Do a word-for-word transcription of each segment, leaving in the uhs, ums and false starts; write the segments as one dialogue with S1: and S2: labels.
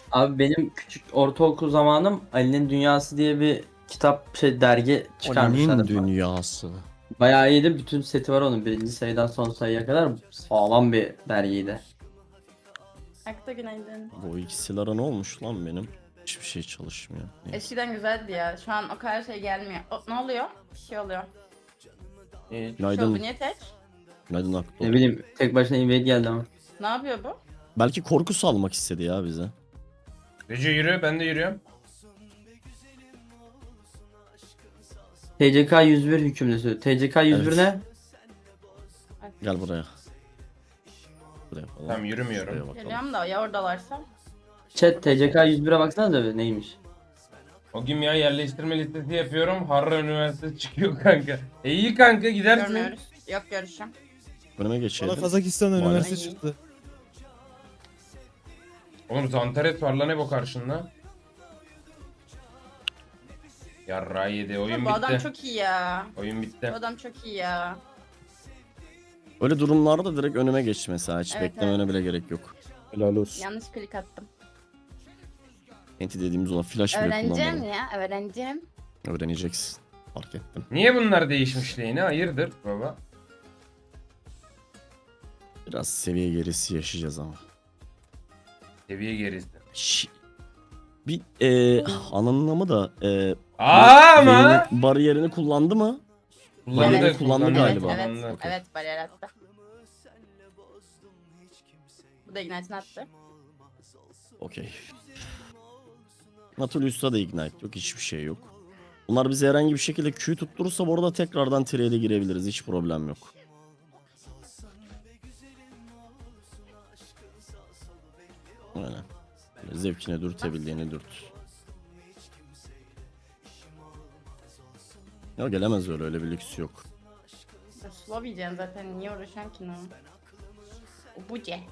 S1: Abi benim küçük ortaokul zamanım Ali'nin Dünyası diye bir kitap şey dergi
S2: Ali'nin
S1: çıkarmışlardı.
S2: dünyası.
S1: Bayağı iyiydi. Bütün seti var onun. Birinci sayıdan son sayıya kadar sağlam bir dergiydi.
S3: Akta günaydın.
S2: Bu ikisilara ne olmuş lan benim? Hiçbir şey çalışmıyor. Neyse.
S3: Eskiden güzeldi ya. Şu an o kadar şey gelmiyor. O, ne oluyor? Bir şey oluyor.
S1: Ee,
S3: Şey oldu,
S2: Günaydın.
S3: niye tek?
S2: Günaydın Akto.
S1: ne bileyim tek başına invade geldi ama.
S3: Ne yapıyor bu?
S2: Belki korku salmak istedi ya bize.
S4: Recep yürü, ben de yürüyorum.
S1: T C K yüz bir hükümlüsü. T C K yüz bir
S2: Evet.
S1: ne?
S2: Gel buraya. Buraya falan.
S4: Tamam, yürümüyorum.
S2: Şuraya bakalım.
S3: Geliyorum da ya oradalarsa.
S1: Chat T C K yüz bire baksanıza bir neymiş?
S4: O gün ya yerleştirme listesi yapıyorum. Harran Üniversitesi çıkıyor kanka. E iyi kanka, gidersin.
S3: Görmüyoruz. Yok görüşüm.
S2: Önüme
S5: Bana
S2: geçeydin.
S5: Kazakistan
S2: Maalesef.
S5: üniversite çıktı.
S4: Oğlum Zantares var lan hep o karşında. Yarra yedi, oyun
S3: bu adam
S4: bitti.
S3: çok iyi ya.
S4: Oyun
S3: Bu
S4: bitti.
S3: adam çok iyi ya.
S2: Öyle durumlarda direkt önüme geç mesela. Hiç
S3: Evet,
S2: beklemene bile gerek yok.
S5: Helal olsun.
S3: Yanlış klik attım.
S2: Enti dediğimiz olan flash bile
S3: Öğreneceğim
S2: kullanmadım.
S3: ya. Öğreneceğim.
S2: Öğreneceksin. Fark ettim.
S4: Niye bunlar değişmiş lehine? Hayırdır baba?
S2: Biraz seviye gerisi yaşayacağız ama.
S4: Seviye gerisi.
S2: Şi- Bir e, anlamı da e,
S4: Aa ama.
S2: Vayne'in bariyerini kullandı mı?
S4: Kullandı,
S2: Evet, kullandı
S4: kullandı
S2: galiba.
S3: Evet,
S4: kullandı.
S3: evet,
S2: Okey.
S3: evet bariyer attı. Bu da Ignite'ini attı.
S2: Okey. Natulius'ta da ignite yok. Hiçbir şey yok. Bunlar bize herhangi bir şekilde Q tutturursa bu arada tekrardan trade'e girebiliriz. Hiç problem yok. Aynen. Böyle zevkine dürtebildiğini dürt. Ya gelemez öyle, öyle bir lüks yok.
S3: Ya, Slow yiyeceksin zaten. Niye uğraşıyorsun ki ne? O bu ce.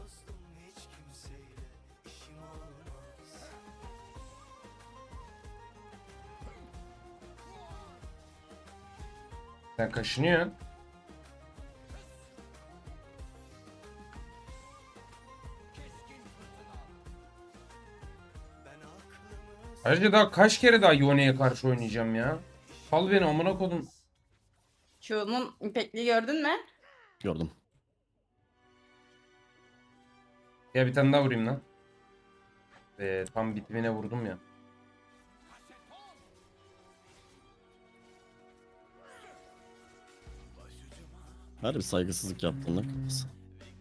S4: Sen kaşınıyorsun. Ayrıca daha kaç kere daha Yone'ye karşı oynayacağım ya? Sal beni amına kodum.
S3: Q'nun impactliği gördün mü?
S2: Gördüm.
S4: Ya bir tane daha vurayım lan. Ee, tam bitimine vurdum ya.
S2: Her bir saygısızlık yaptığında kafası.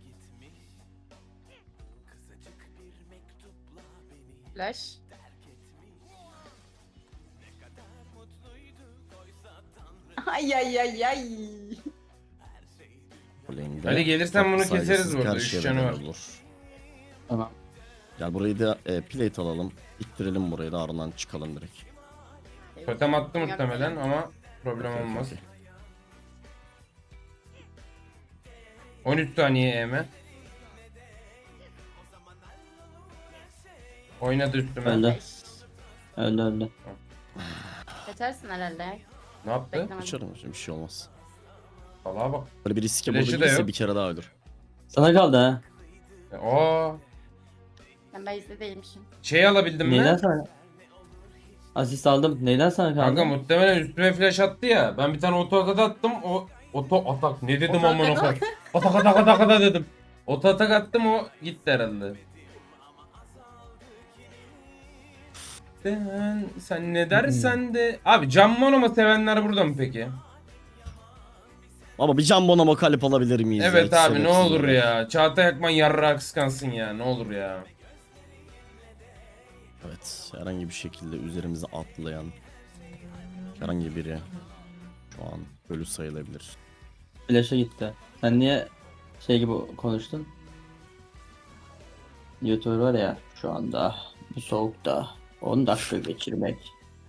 S3: Flash. Ay ay ay ay.
S2: Lane'de
S4: Ali gelirsen bunu
S2: farklı
S4: keseriz
S2: saygısızlık
S4: burada,
S2: her
S4: üç
S2: şeye
S4: canı
S2: bedel
S4: var.
S2: olur.
S1: Tamam.
S2: Gel burayı da e, plate alalım. İttirelim burayı da ardından çıkalım direkt.
S4: Totem attı muhtemelen ama problem
S2: Okey,
S4: olmaz.
S2: okey.
S4: on üç saniye E M. Oynadı üstüme.
S1: Öldü.
S3: Beş.
S1: Öldü öldü.
S3: Geçersin herhalde.
S4: Ne yaptı?
S3: Beklemedim.
S2: Kaçarım hocam, bir şey olmaz.
S4: Salaha bak.
S2: Böyle bir riske
S4: Flash'ı da
S2: bulabilirse
S4: yok.
S2: bir kere daha ölür.
S1: Sana kaldı ha.
S4: Aa,
S3: Ben base'de değilmişim.
S4: şey alabildim
S1: Neyden
S4: mi?
S1: sana? Asist aldım. Neyden sana kaldı?
S4: Kanka muhtemelen üstüme flash attı ya. Ben bir tane oto atak attım. O oto atak ne dedim
S3: Oto
S4: amına
S3: atak
S4: koyayım. Atak atak atak atak dedim. Oto atak attım, o gitti herhalde. Sen, sen ne dersen de. Abi Can Mono'mu sevenler burada mı peki?
S2: Ama bir can bonama kalip alabilir miyiz? ya?
S4: Evet
S2: Hiç
S4: abi, ne
S2: sebepsiz
S4: olur
S2: olarak.
S4: ya. Çağatay Akman yarrağı kıskansın ya, ne olur ya.
S2: Evet, herhangi bir şekilde üzerimize atlayan herhangi biri şu an ölü sayılabilir.
S1: Flash'a gitti. Sen niye şey gibi konuştun? YouTuber var ya şu anda bu soğukta on dakika geçirmek.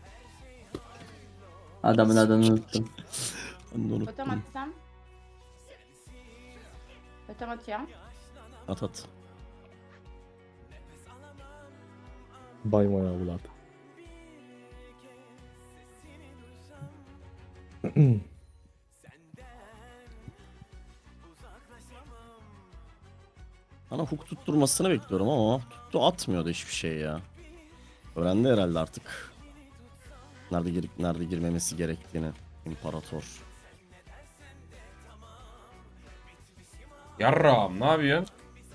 S1: Adamın adını unuttum.
S2: Ben de
S3: Totem
S2: unuttum.
S3: atsam. Totem atıyorum.
S2: At at.
S5: Bay moja evlat.
S2: Bana hook tutturmasını bekliyorum ama tuttu, atmıyordu hiçbir şey ya. Öğrendi herhalde artık. Nerede girip nerede girmemesi gerektiğini. İmparator.
S4: Yarrağım ne yapıyorsun?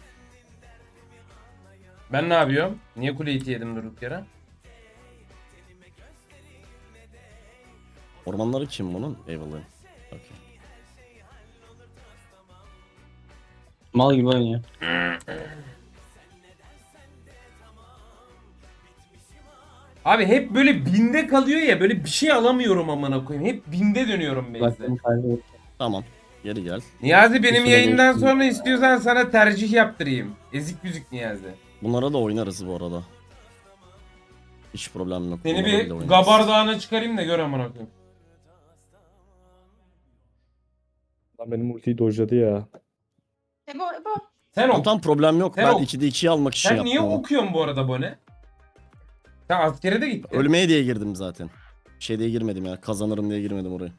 S4: Ben ne yapıyorum? Niye kule iti yedim durduk yere?
S2: Ormanları kim bunun? Eyvallah. Okey.
S1: Mal gibi oynuyor.
S4: Abi hep böyle binde kalıyor ya, böyle bir şey alamıyorum amına koyayım. Hep binde dönüyorum base'de.
S1: Baktım kaybettim.
S2: Tamam. Geri gel.
S4: Niyazi benim
S1: süre
S4: yayından
S1: geçti.
S4: sonra istiyorsan sana tercih yaptırayım. Ezik yüzük Niyazi.
S2: Bunlara da oynarız bu arada. Hiç problem yok.
S4: Seni
S2: Bunlara
S4: bir
S2: bile oynarız.
S4: Gabar Dağı'na çıkarayım da gör amına koyayım.
S5: Lan benim ultiyi dojladı ya.
S3: Ebo Ebo.
S4: Sen
S2: Tamam,
S4: ok.
S2: tamam problem yok.
S4: Sen
S2: Ben
S4: ok.
S2: ikide ikiyi almak için
S4: Sen
S2: yaptım
S4: niye
S2: ama.
S4: okuyorsun bu arada bu ne? Sen askere de gittin.
S2: Ölmeye diye girdim zaten. Şey diye girmedim ya. Kazanırım diye girmedim oraya.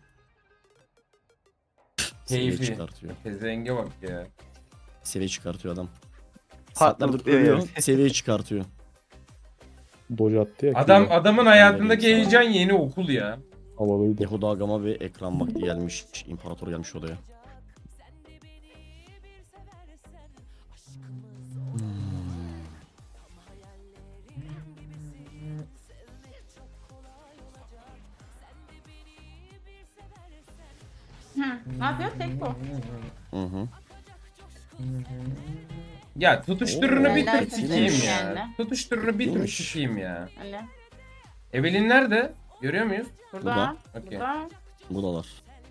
S2: Seviye
S4: Keyfi.
S2: çıkartıyor.
S4: Pezenge bak ya.
S2: Seviye çıkartıyor adam.
S6: Patladık
S2: Saatlerdir
S6: diyor
S2: ölüyor.
S6: yani.
S2: Seviye çıkartıyor.
S5: Doj attı ya.
S4: Adam
S5: kıyıya.
S4: adamın hayatındaki heyecan yeni okul ya.
S5: Havalıydı.
S2: Yehuda Agama ve ekran vakti gelmiş. İmparator gelmiş odaya.
S3: Hı. Ne yapıyor? Tek bu.
S2: Hı hı.
S4: Ya tutuşturunu
S2: Oo.
S4: bir
S3: Helal
S4: tur sikeyim
S3: olsun
S4: ya.
S3: yani.
S4: Tutuşturunu bir tur
S2: İyiymiş.
S4: sikeyim ya.
S3: Öyle.
S4: Evelyn nerede? Görüyor muyuz?
S3: Burada.
S2: Burada.
S4: Okey.
S3: Burada.
S2: Buradalar.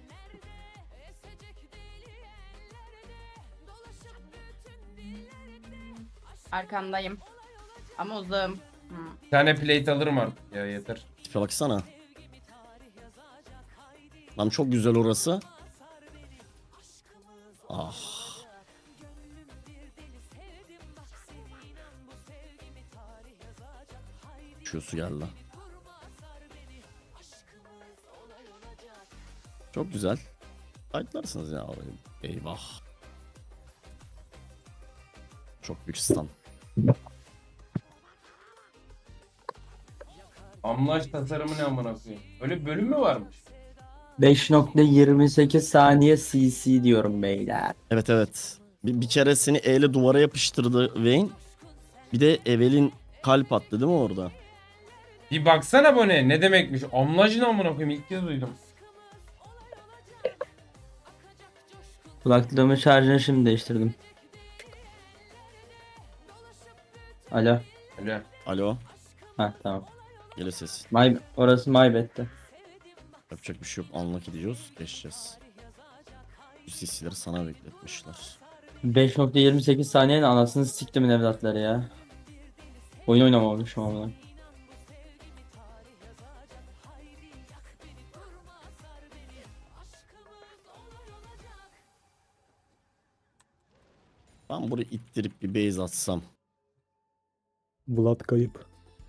S3: Arkandayım. Ama uzağım. Hı.
S4: Bir tane plate alırım artık ya, yeter.
S2: Tipe baksana. Lan çok güzel orası. Ah. Şu su geldi. Çok güzel. Fightlarsınız ya orayı. Eyvah. Çok büyük stun.
S4: Amlaç tasarımı ne amına koyayım? Öyle bir bölüm mü varmış?
S1: beş nokta yirmi sekiz saniye C C diyorum beyler.
S2: Evet evet. Bir, bir kere seni E ile duvara yapıştırdı Vayne. Bir de Evelyn kalp attı değil mi orada?
S4: Bir baksana bu ne? Ne demekmiş? Amlaç ne amına koyayım? İlk kez duydum.
S1: Kulaklığımın şarjını şimdi değiştirdim. Alo.
S4: Öyle.
S2: Alo.
S1: Ha tamam.
S2: Gele ses.
S1: My, orası my bed'ti.
S2: Yapacak bir şey yok. Anlak ediyoruz. Geçeceğiz. Bu sisileri sana bekletmişler.
S1: beş nokta yirmi sekiz saniyenin anasını siktimin evlatları ya. Oyun oynamamışım ama.
S2: Ben burayı ittirip bir base atsam.
S5: Vlad kayıp.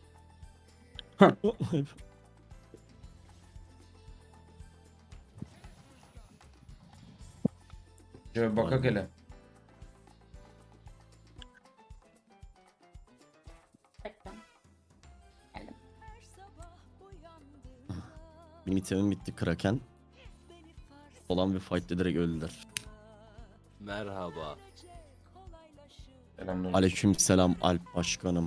S4: Şöyle bakak hele.
S3: Bekle. Geldim.
S2: Benim itemim bitti Kraken. Olan bir fight'te direkt öldüler.
S6: Merhaba.
S4: Selamlar.
S2: Aleykümselam Alp başkanım.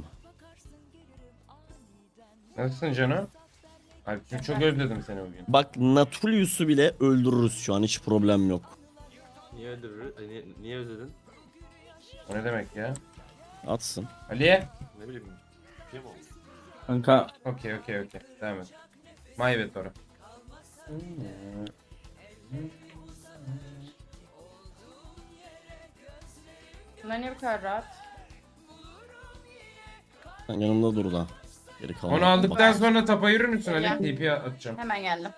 S4: Nasılsın canım? Alp'cim çok özledim seni bugün.
S2: Bak Natulius'u bile öldürürüz şu an, hiç problem yok.
S6: Niye öldürür? Ay, Niye, niye özledin?
S4: O ne demek ya?
S2: Atsın.
S4: Ali?
S6: Ne bileyim. Bir şey mi oldu?
S1: Kanka
S4: Okey okey okey. Devam et. Maybet ora.
S3: Bunlar niye bu kadar rahat?
S2: Sen yanımda dur da. Geri kalan.
S4: Onu aldıktan sonra tapa yürür müsün Ali?
S3: Ya.
S4: T P atacağım.
S3: Hemen geldim.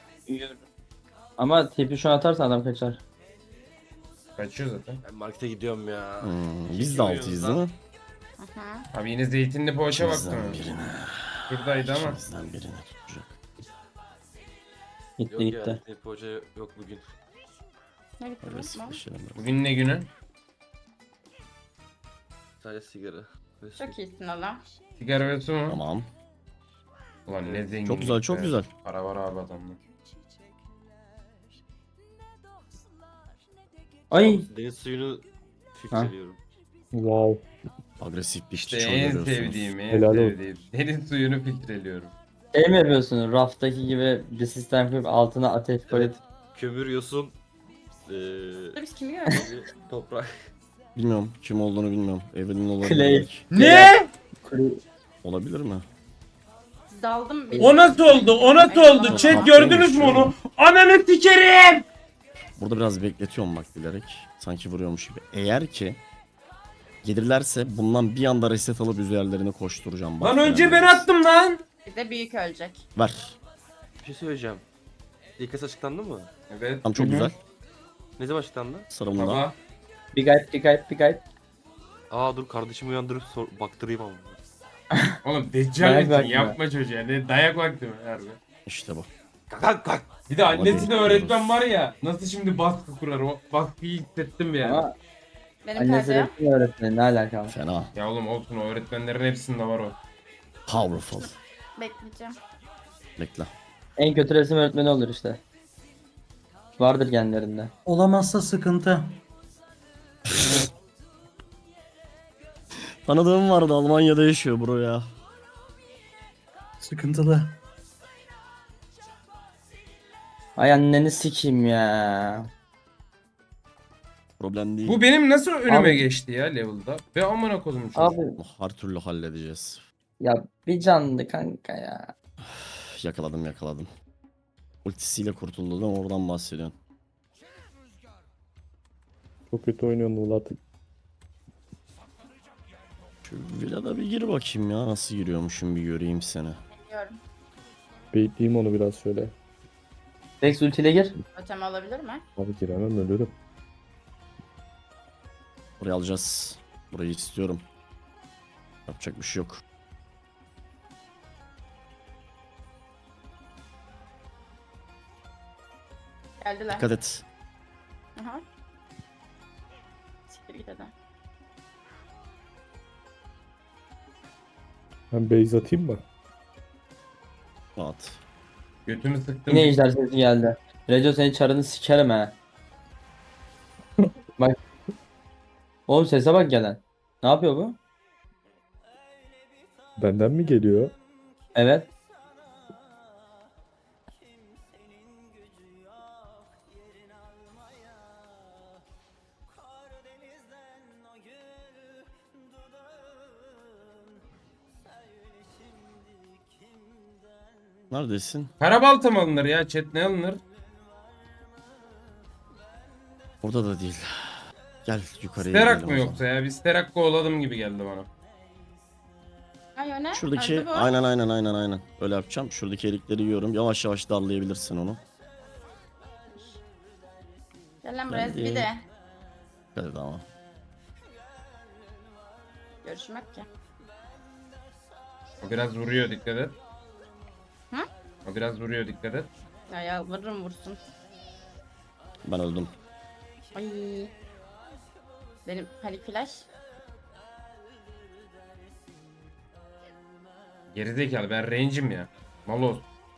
S1: ama tipi şu an atarsan adam kaçar.
S4: Kaçıyor zaten.
S6: Ben markete gidiyorum ya.
S2: Hmm, biz de altıyız değil mi?
S3: Hı hı.
S4: Abi yine zeytinli poğaça baktım.
S2: İkimizden birine.
S4: Şuradaydı ama.
S2: İkimizden birine tutacak.
S1: Gitti
S6: Yok
S1: gitti.
S6: ya. Poğaça yok bugün.
S3: Ne gitti
S2: Öyle
S3: lan?
S2: sıkışalım.
S4: Bugün ne günü?
S6: Sadece sigara. Ve su.
S3: Çok iyisin oğlum.
S4: Sigara ve su mu?
S2: Tamam.
S4: Ulan ne zengin.
S2: Çok güzel, çok güzel.
S4: Para var abi adamda.
S1: Ay
S6: Deniz suyunu filtreliyorum.
S5: Wow.
S2: Agresif bir
S4: İşte
S2: işçi
S4: en
S2: görüyorsunuz.
S4: sevdiğim, en
S5: Helal olsun.
S4: sevdiğim. Deniz suyunu filtreliyorum.
S1: şey mi yapıyorsun? Raftaki gibi bir sistem koyup altına ateş koyup
S6: Kömür, yosun, eee
S3: Burada biz kimi gördük?
S6: bir toprak.
S2: Bilmiyorum, kim olduğunu bilmiyorum. Evelyn olabilir
S1: Clay.
S2: belki.
S4: Ne?
S2: Olabilir mi?
S3: Daldım. bir-
S4: O nasıl oldu? O nasıl oldu? Chat gördünüz mü onu? Ananı sikerim!
S2: Burada biraz bekletiyorum bak bilerek. Sanki vuruyormuş gibi. Eğer ki gelirlerse bundan bir anda reset alıp üzerlerine koşturacağım. Bak
S4: Lan önce ben
S2: yani.
S4: attım lan.
S3: Bir de büyük ölecek.
S2: Ver.
S6: Bir şey söyleyeceğim. İlk açıklandı mı?
S4: Evet.
S2: Tamam çok
S1: Hı hı.
S2: güzel.
S6: Ne zaman açıklandı?
S2: Sıra bunda.
S4: Baba.
S1: bir gayet bir gayet bir gayet.
S6: Aa dur kardeşimi uyandırıp sor baktırayım ama.
S4: Oğlum deccal
S1: Dayak
S4: misin?
S1: vakti mi?
S4: Yapma çocuğa. Ne dayak vakti mi? Harbi.
S2: İşte bu.
S6: Kalk kalk kalk.
S4: Bir de annesine
S2: bekliyoruz.
S4: öğretmen var ya. Nasıl şimdi baskı kurar? O baskıyı hissettim yani.
S1: Ama
S3: Benim
S1: annesi
S3: perde.
S1: resim öğretmeni ne alakalı?
S2: Fena.
S4: Ya oğlum olsun, o öğretmenlerin hepsinde var o.
S2: Powerful.
S3: Bekleyeceğim.
S2: Bekle.
S1: En kötü resim öğretmeni olur işte. Vardır genlerinde.
S7: Olamazsa sıkıntı.
S2: Tanıdığım vardı, Almanya'da yaşıyor bro ya.
S7: Sıkıntılı.
S1: Ay anneni sikeyim ya.
S2: Problem değil.
S4: Bu benim nasıl önüme
S1: Abi-
S4: geçti ya level'da? Ve amına kodum çocuk.
S1: Abi
S2: Her türlü halledeceğiz.
S1: ya bir canlı kanka ya.
S2: Yakaladım yakaladım. Ultisiyle kurtuldu da oradan bahsediyorsun.
S5: Çok kötü oynuyorsun Vlad.
S2: Şu villada bir gir bakayım ya, nasıl giriyormuşum bir göreyim seni.
S3: Biliyorum.
S5: Bekleyeyim onu biraz şöyle.
S1: Rex ultiyle gir.
S3: Ötem alabilir mi?
S5: Abi giremem ölürüm.
S2: Burayı alacağız. Burayı istiyorum. Yapacak bir şey yok.
S3: Geldiler.
S2: Dikkat et.
S3: Aha. Siktir git hadi.
S5: Ben base atayım mı?
S2: Rahat.
S4: Götümü sıktım.
S1: Yine ejder sesi geldi. Reco senin çarını sikerim ha. Bak. Oğlum sese bak gelen. Ne yapıyor bu?
S5: Benden mi geliyor?
S1: Evet.
S2: Neredesin?
S4: Karabalta mı alınır ya? Chat ne alınır?
S2: Orada da değil. Gel yukarıya
S4: Sterak
S2: gidelim
S4: mı
S2: o zaman.
S4: yoksa ya? Bir Sterak kovaladım gibi geldi bana.
S3: Ay o ne?
S2: Şuradaki
S3: Öldü bu.
S2: aynen aynen aynen aynen. Öyle yapacağım. Şuradaki erikleri yiyorum. Yavaş yavaş darlayabilirsin onu.
S3: Gel lan buraya
S2: Geldi.
S3: bir de.
S2: Dikkat et ama.
S3: Görüşmek ki.
S4: O biraz vuruyor, dikkat et.
S3: Hı?
S4: O biraz vuruyor, dikkat et.
S3: Ya yalvarırım vursun.
S2: Ben öldüm.
S3: Ay. Benim panik flash.
S4: Gerizekalı, ben range'im ya. Maloz.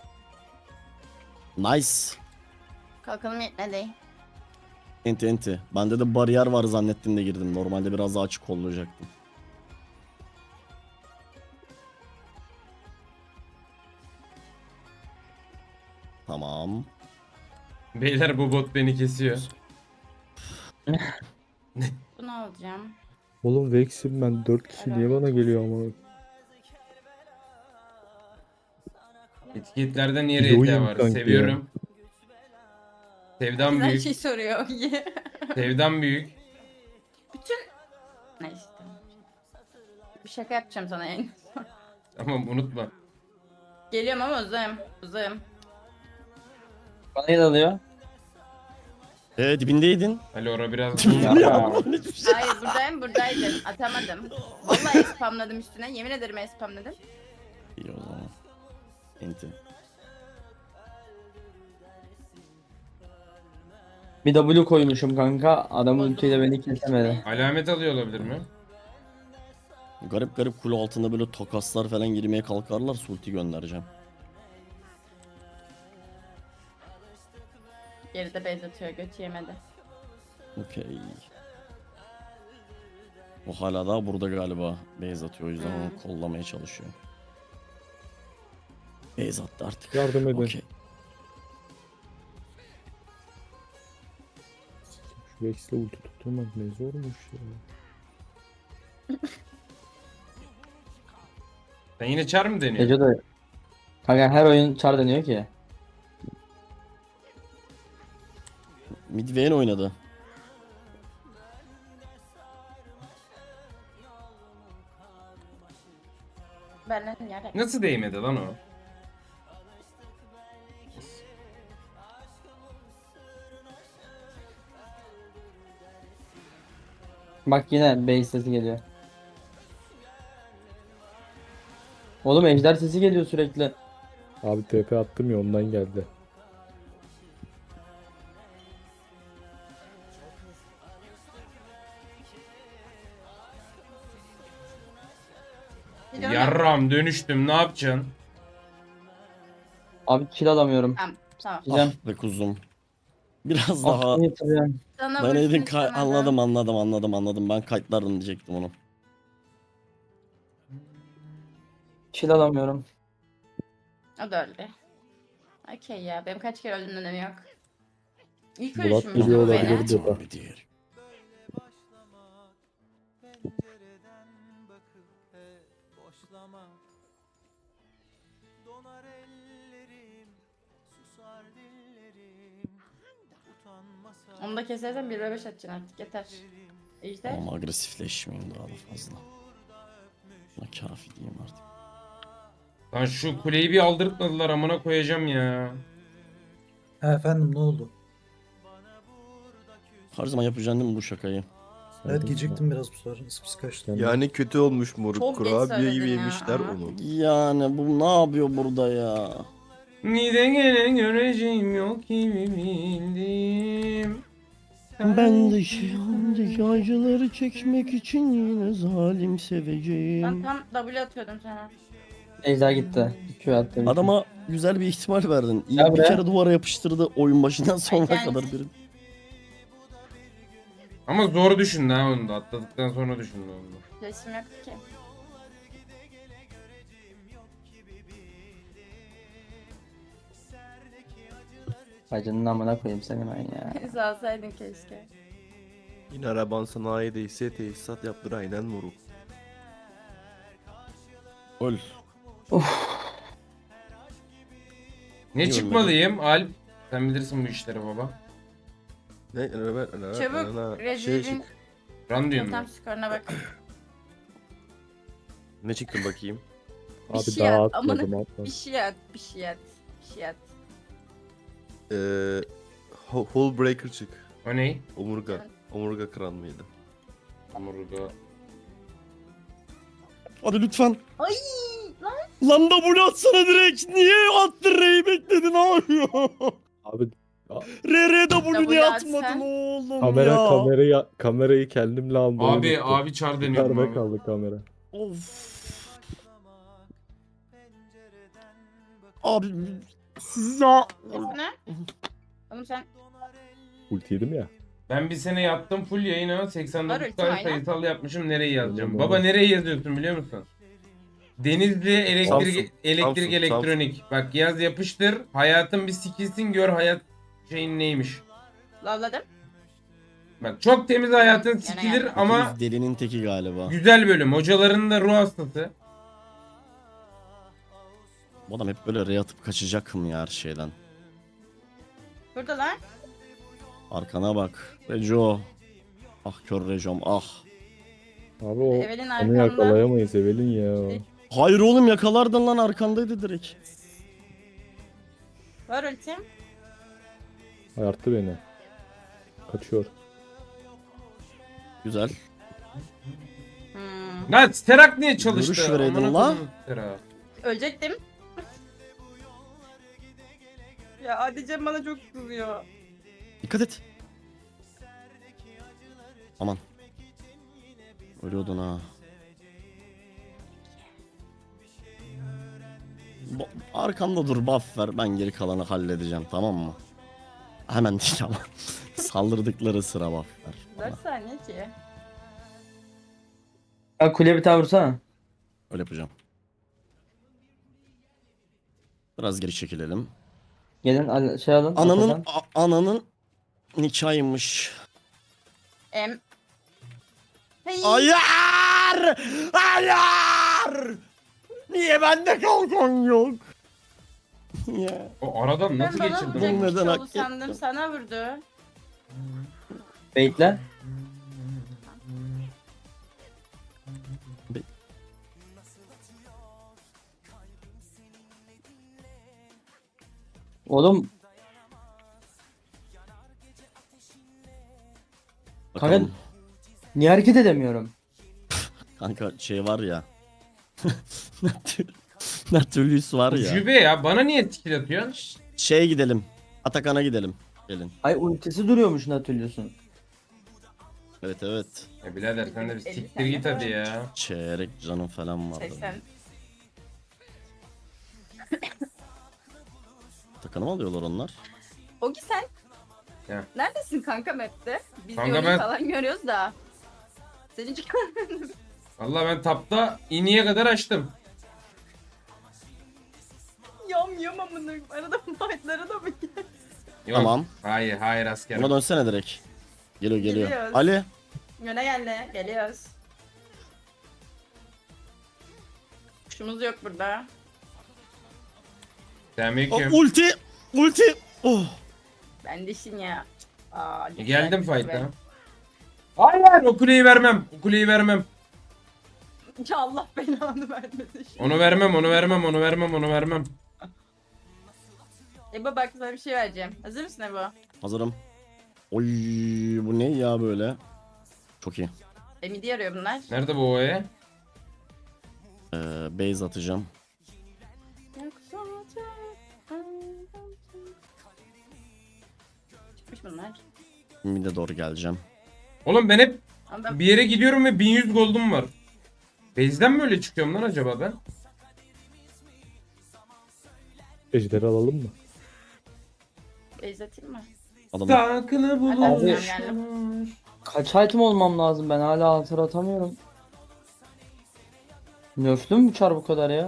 S2: Nice.
S3: Kalkalım yetmedi.
S2: Enti enti. Bende de bariyer var zannettim de girdim. Normalde biraz daha açık kollayacaktım. Tamam.
S4: Beyler bu bot beni kesiyor.
S3: Bunu alacağım.
S5: Oğlum Vex'im ben dört kişi niye bana geliyor ama?
S4: Etiketlerde niye
S5: İyi
S4: R T
S5: oyun
S4: var?
S5: kanki
S4: Seviyorum. Sevdan
S3: Güzel
S4: büyük.
S3: şey soruyor.
S4: Sevdan büyük.
S3: Bütün... Neyse tamam. Bir şaka yapacağım sana yani.
S4: Tamam, unutma.
S3: Geliyorum ama uzayım. Uzayım.
S1: Bana ne alıyor?
S2: Ee dibindeydin.
S4: Ali ora biraz
S1: Ya.
S3: Hayır buradayım buradaydın. Atamadım. Vallahi spamladım üstüne. Yemin ederim spamladım.
S2: İyi o zaman. Enti.
S1: Bir W koymuşum kanka. Adam ultiyle beni kesemedi.
S4: alamet alıyor olabilir mi?
S2: Garip garip kule altında böyle tokaslar falan girmeye kalkarlar. Sulti göndereceğim.
S3: Geride base atıyor, göt yemedi.
S2: Okey. O hala daha burada galiba. Base atıyor, o yüzden
S3: Hmm.
S2: onu kollamaya çalışıyor. Base attı artık.
S5: Yardım edin.
S2: Okey.
S5: Şu Rex'le ulti tutturmak ne zormuş ya.
S4: Sen yine çar mı deniyorsun?
S1: Ece de. Kanka her oyun çar deniyor ki.
S2: Mid Vayne oynadı.
S3: Benden yere.
S4: Nasıl değmedi lan o?
S1: Bak yine base sesi geliyor. Oğlum ejder sesi geliyor sürekli.
S5: Abi T P attım ya ondan geldi.
S3: Gidiyorum.
S4: Yarram dönüştüm, ne yapacaksın?
S1: Abi kill alamıyorum.
S3: Tamam, tamam.
S1: Diyeceğim.
S2: Ah be kuzum. Biraz daha
S1: Aklını yitireceğim.
S3: Sana
S2: ben
S3: vursun
S2: edin
S3: istemeden.
S2: anladım anladım anladım anladım. Ben kayıtlardım diyecektim onu.
S1: Kill alamıyorum.
S3: O da öldü. Okey ya, benim kaç kere öldüğümün önemi yok. İlk
S5: Bulat
S3: ölüşüm
S5: geliyor
S3: bu
S5: olabilir
S3: benim.
S5: burada.
S2: Bir diğer.
S3: Onu da kesersen bir ve beş atacaksın artık, yeter. Ejder.
S2: Ama agresifleşmeyeyim daha da fazla. Buna kafi diyeyim artık.
S4: Lan şu kuleyi bir aldırtmadılar, amına koyacağım ya.
S7: Ha efendim ne oldu?
S2: Her zaman yapacaksın değil mi bu şakayı?
S7: Evet geciktim biraz bu sefer. Sıpsı kaçtı.
S5: Sen-
S6: Yani kötü olmuş moruk.
S3: Çok geç
S6: Kurabiye gibi
S3: söyledin ya,
S6: yemişler
S3: ama.
S6: onu.
S2: Yani bu ne yapıyor burada ya?
S4: Nide gene göreceğim yok gibi bildim.
S2: Ben de yanındaki acıları çekmek için yine zalim
S3: Ben
S2: seveceğim.
S3: tam W atıyordum sana.
S1: Ejder gitti. Q attı.
S2: Adama güzel bir ihtimal verdin. İyi
S1: Ya
S2: bir
S1: bre.
S2: kere duvara yapıştırdı oyun başından sonra
S3: Ay,
S2: kadar
S3: yani.
S2: bir.
S4: Ama zor düşündü ha onu da, atladıktan sonra düşündü onu da.
S3: Flash'im yoktu ki.
S1: Bacının amına koyayım seni ben ya.
S3: Sağ olsaydın keşke.
S6: Yine araban sanayideyse tesisat yaptır aynen moruk.
S2: Öl.
S4: Ne
S2: İyi
S4: çıkmalıyım Alp? Sen bilirsin bu işleri baba.
S6: Ne?
S3: Çabuk,
S6: Şey
S3: Recep'in
S6: çık.
S4: Run diyorum
S3: tam
S4: ben.
S3: skoruna bak.
S6: Ne çıktı bakayım?
S3: Bir
S5: Abi
S3: şey
S5: daha
S3: yap,
S5: atmadım
S3: amına-
S5: atmadım.
S3: Bir şey at, bir şey at, bir şey at.
S6: Ee, Ho- Hole Breaker çık.
S4: O ne?
S6: Omurga. Omurga kıran mıydı?
S4: Omurga.
S2: Hadi lütfen.
S3: Ay lan.
S2: Lan W atsana direkt. Niye attın R'yi bekledin abi?
S5: Abi
S2: R R W
S3: W
S2: niye
S3: atsan.
S2: atmadın oğlum
S5: kamera
S2: ya?
S5: kamerayı kamerayı kendimle almayı
S4: Abi
S5: unuttum.
S4: abi çar deniyorum
S5: Yukarıda
S4: abi.
S5: kaldı kamera.
S2: Of. Abi siz ya.
S3: Ne? Oğlum sen
S5: Ulti yedim ya.
S4: Ben bir sene yattım full yayına seksen dokuz
S3: Var ultim,
S4: tane
S3: aynen.
S4: sayısal yapmışım, nereye yazacağım?
S5: Tamam,
S4: Baba
S5: evet.
S4: nereye yazıyorsun biliyor musun? Denizli elektrik
S6: Samsun,
S4: elektrik
S6: Samsun,
S4: elektronik. Bak yaz yapıştır. Hayatın bir sikilsin, gör hayat şeyin neymiş.
S3: lavladım.
S4: Bak çok temiz hayatın
S3: Yana
S4: sikilir
S3: yana.
S4: ama
S2: Biz delinin teki galiba.
S4: güzel bölüm. Hocaların da ruh hastası.
S2: Bu adam hep böyle R atıp kaçacak mı ya her şeyden?
S3: Burada lan.
S2: Arkana bak. Rejo. Ah kör Rejom ah.
S5: Abi o
S3: Evelin
S5: onu
S3: arkamda.
S5: yakalayamayız Evelin ya.
S2: Hayır oğlum yakalardın lan arkandaydı direkt.
S3: Var ultim.
S5: Ayarttı beni. Kaçıyor.
S2: Güzel.
S3: Hmm.
S4: Lan Sterak niye çalıştı?
S2: Görüş vereydin
S4: Amına
S2: la.
S4: koyayım Sterak.
S3: Ölecektim. Ya Adicem bana çok kızıyor.
S2: Dikkat et. Aman. Ölüyordun ha. Bu- Arkamda dur, buff ver, ben geri kalanı halledeceğim, tamam mı? Hemen değil ama. Saldırdıkları sıra buff ver bana.
S3: dört saniye ki.
S1: Ya kuleye bir tane vursana.
S2: Öyle yapacağım. Biraz geri çekilelim.
S1: Gelin al- şey alın.
S2: Ananın
S1: Atakan.
S2: a- ananın nikahıymış.
S3: Em. Hey.
S2: Hayır! Hayır! Niye bende kalkan yok? Ya.
S4: O aradan nasıl
S3: Ben bana
S4: geçirdim?
S2: Bunu
S3: vuracakmış
S2: neden hak
S3: oldu sandım.
S2: ettim?
S3: Sana vurdu.
S1: Bekle. Oğlum
S2: Bakalım.
S1: niye hareket edemiyorum?
S2: Kanka şey var ya. Natür- Natürlüs var ya.
S4: Jübe ya bana niye skill atıyorsun?
S2: Şeye gidelim. Atakan'a gidelim. Gelin.
S1: Ay ultisi duruyormuş Nautilus'un.
S2: Evet evet.
S4: Ya birader sen de bir
S3: Elli
S4: siktir
S3: tane
S4: git
S3: var.
S4: hadi ya.
S2: Çeyrek canım falan vardı.
S3: seksen.
S2: Atakan'ı mı alıyorlar onlar?
S3: Ogi sen.
S4: Ya.
S3: Neredesin kanka map'te? Biz
S4: Kanka
S3: Yoni'yi
S4: ben-
S3: falan görüyoruz da. Seni çıkar.
S4: Vallahi ben tapta iniye kadar açtım.
S3: Yam yam amına. Arada fightlara da mı gel?
S4: Yok.
S2: Tamam.
S4: Hayır hayır askerim.
S2: Buna dönsene direkt. Geliyor geliyor.
S3: Geliyoruz.
S2: Ali.
S3: Yöne geldi. Geliyoruz. Kuşumuz yok burada.
S2: O,
S4: Selamünaleyküm.
S2: ulti. Ulti. Oh.
S3: Ben dişin ya. Aa,
S4: E, Geldim
S3: lütfen,
S4: fight'a.
S3: lütfen.
S4: Hayır o kuleyi vermem. O kuleyi vermem.
S3: Ya Allah belanı vermesin. şimdi.
S4: Onu vermem onu vermem onu vermem onu vermem.
S3: Ebo bak sana bir şey vereceğim. Hazır mısın Ebo?
S2: Hazırım. Oy bu ne ya böyle? Çok iyi.
S3: E midi arıyor bunlar.
S4: Nerede bu oya?
S2: Ee, base atacağım.
S3: Çıkmış bunlar.
S2: Mid'e doğru geleceğim.
S4: Oğlum ben hep
S3: Ama ben
S4: bir yere gidiyorum ve bin yüz gold'um var. Base'den mi öyle çıkıyorum lan acaba ben?
S5: Ejderi alalım mı?
S3: base atayım mı?
S2: Adamı
S4: Sakını
S3: Hadi
S4: bulur.
S3: geldim.
S1: Kaç item olmam lazım, ben hala altır atamıyorum. Nerf'lü mü bu çar bu kadar ya?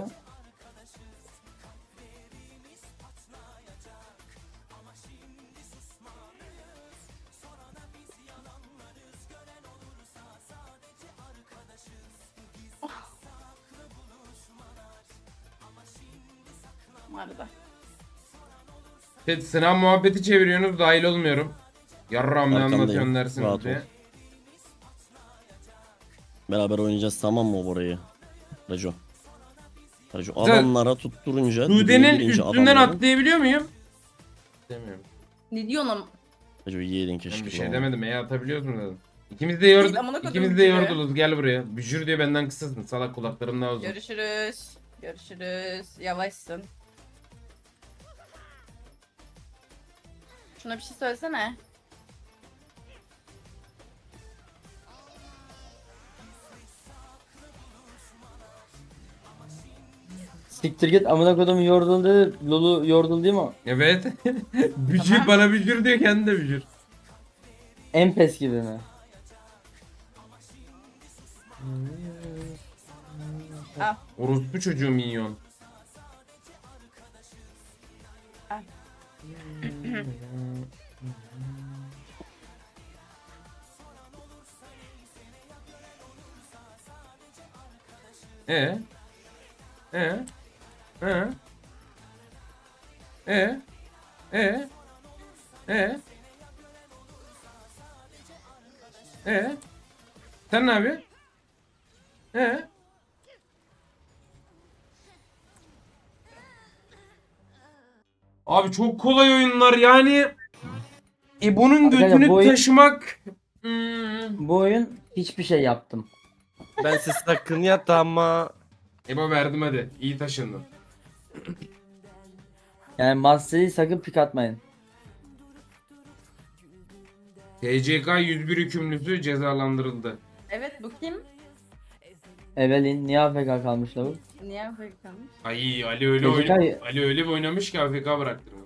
S3: Bu arada.
S4: Evet, sınav muhabbeti çeviriyorsunuz dahil olmuyorum. Yarram ne
S2: Arkandayım,
S4: anlatıyorsun dersiniz
S2: rahat
S4: diye.
S2: ol. beraber oynayacağız, tamam mı Bora'yı? Rajo. Rajo
S4: Güzel.
S2: adamlara tutturunca dibine
S4: Sude'nin
S2: girince
S4: üstünden
S2: adamların-
S4: atlayabiliyor muyum? Demiyorum.
S3: Ne diyorsun am?
S2: Rajo yiyeydin keşke.
S4: Ben bir
S2: bu
S4: şey
S2: ama.
S4: demedim ya atabiliyoruz mu dedim. İkimiz de yordu.
S3: Değil, amına koydum
S4: İkimiz de
S3: bücürü.
S4: yorduluz gel buraya. Bücür diye benden kısasın. Salak kulaklarım daha uzun.
S3: Görüşürüz. Görüşürüz. Yavaşsın. Şuna bir şey söylesene.
S1: Siktir git, amına kodum yordul dedi. Lulu yordul değil mi o?
S4: Evet. bücür
S3: Tamam.
S4: bana bücür diyor kendi de bücür.
S1: Empes gibi mi?
S3: Al.
S4: Orospu çocuğu minyon.
S3: Al.
S4: E. E. E. E. E. E. E. Sen ne yapıyorsun? E. Abi çok kolay oyunlar yani. E bunun
S1: Arkadaşlar,
S4: götünü
S1: bu oyun-
S4: taşımak. Hmm.
S1: Bu oyun hiçbir şey yaptım.
S6: Ben siz sakın yat ama.
S4: Ebo verdim hadi. İyi taşındın.
S1: Yani Master'ı sakın pik atmayın.
S4: T C K yüz bir hükümlüsü cezalandırıldı.
S3: Evet bu kim?
S1: Evelyn niye A F K kalmış lavuk?
S3: Niye Afrika kalmış?
S4: Ay Ali öyle
S1: Gece
S4: oyna
S1: kay-
S4: Ali öyle bir oynamış ki A F K bıraktırmış.